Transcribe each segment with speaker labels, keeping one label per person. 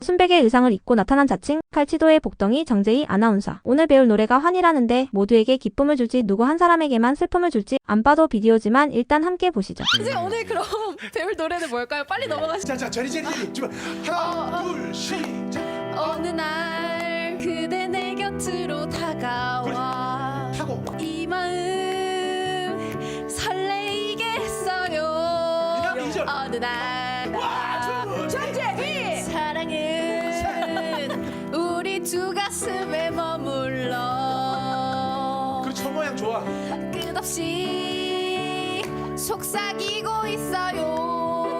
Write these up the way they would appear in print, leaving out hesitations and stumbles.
Speaker 1: 순백의 의상을 입고 나타난 자칭 칼치도의 복덩이 정재희 아나운서. 오늘 배울 노래가 환희라는데 모두에게 기쁨을 줄지 누구 한 사람에게만 슬픔을 줄지 안 봐도 비디오지만 일단 함께 보시죠.
Speaker 2: 이제 오늘 그럼 배울 노래는 뭘까요? 빨리 넘어가시죠.
Speaker 3: 자, 저리 하나, 둘, 시작.
Speaker 2: 어느 날 그대 내 곁으로 다가와
Speaker 3: 하고
Speaker 2: 이 마음 설레이게 했어요.
Speaker 3: 이 절.
Speaker 2: 어느 날
Speaker 3: 정재희
Speaker 2: 사랑은 우리 두 가슴에 머물러
Speaker 3: 그리고 첫 모양 좋아.
Speaker 2: 끝없이 속삭이고 있어요.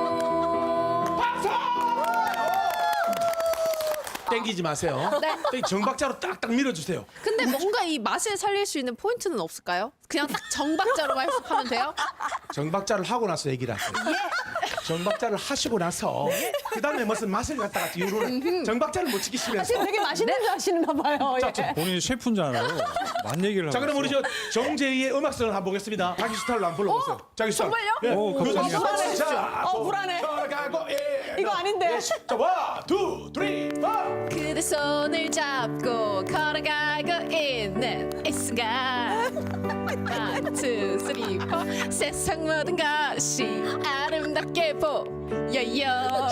Speaker 3: 땡기지 마세요.
Speaker 2: 네.
Speaker 3: 정박자로 딱딱 밀어주세요.
Speaker 2: 근데 뭔가 이 맛을 살릴 수 있는 포인트는 없을까요? 그냥 딱 정박자로만 해석하면 돼요?
Speaker 3: 정박자를 하고 나서 얘기를 하세요. 정박자를 하시고 나서 그 다음에 무슨 맛을 갖다가 이유로 정박자를 못 지키시면서.
Speaker 4: 되게 맛있는 줄 아시는가 봐요. 예.
Speaker 5: 본인이 셰프인 줄 알아요. 맛 얘기를 하고
Speaker 3: 자, 그럼 우리
Speaker 5: 있어.
Speaker 3: 정재희의 음악성을 한번 보겠습니다. 자기 스타일로 한번 불러보세요. 자기 스타일.
Speaker 2: 정말요?
Speaker 3: 예.
Speaker 5: 오, 감사합니다.
Speaker 4: 불안해.
Speaker 3: 자,
Speaker 4: 불안해.
Speaker 3: 가고, 예.
Speaker 4: 이거 아닌데.
Speaker 3: 자, 원, 투, 쓰리, 포.
Speaker 2: 그대 손을 잡고 걸어가고 있는 이 순간 One, two, three, four. 세상 모든 것이 아름답게 보여요.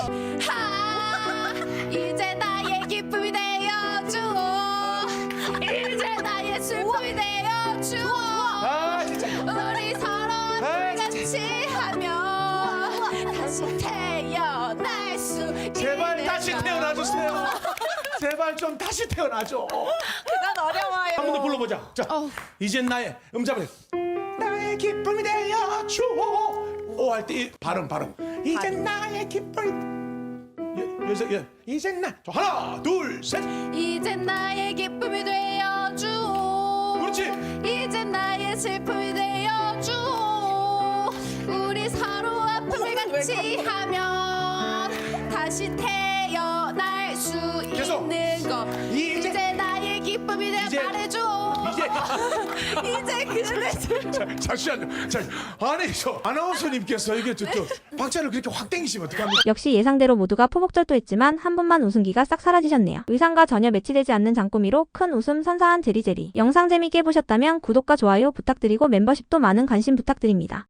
Speaker 2: 하, 이제 나의 기쁨이 되어주어 이제 나의 슬픔이 되어주어
Speaker 3: 아, 진짜.
Speaker 2: 우리 서로 같이 하면 다시 태어날 수
Speaker 3: 제발
Speaker 2: 있는
Speaker 3: 다시
Speaker 2: 걸.
Speaker 3: 태어나주세요. 제발 좀 다시 태어나줘.
Speaker 4: 난 어려워요.
Speaker 3: 한 번 더 불러보자. 자, 이젠 나의 음잡을 나의 기쁨이 되어줘. 오 할 때 이 발음. 이젠 나의 기쁨이. 여기서 이젠 나. 저 하나, 둘, 셋.
Speaker 2: 이제 나의 기쁨이 되어줘.
Speaker 3: 그렇지.
Speaker 2: 이제 나의 슬픔이 되어줘. 우리 서로 아픔을 같이 하면 다시 태어날 수
Speaker 3: 계속.
Speaker 2: 있는 거.
Speaker 3: 이제-
Speaker 2: 이제 나의 기쁨이 돼
Speaker 3: 이제-
Speaker 2: 말해줘. 이제 그대
Speaker 3: 잠시만요. 자, 아니 저 아나운서님께서 이게 또 박자를 그렇게 확 땡기시면 어떡합니까?
Speaker 1: 역시 예상대로 모두가 포복절도했지만 한 분만 웃음기가 싹 사라지셨네요. 의상과 전혀 매치되지 않는 장꾸미로 큰 웃음 선사한 제리제리. 영상 재밌게 보셨다면 구독과 좋아요 부탁드리고 멤버십도 많은 관심 부탁드립니다.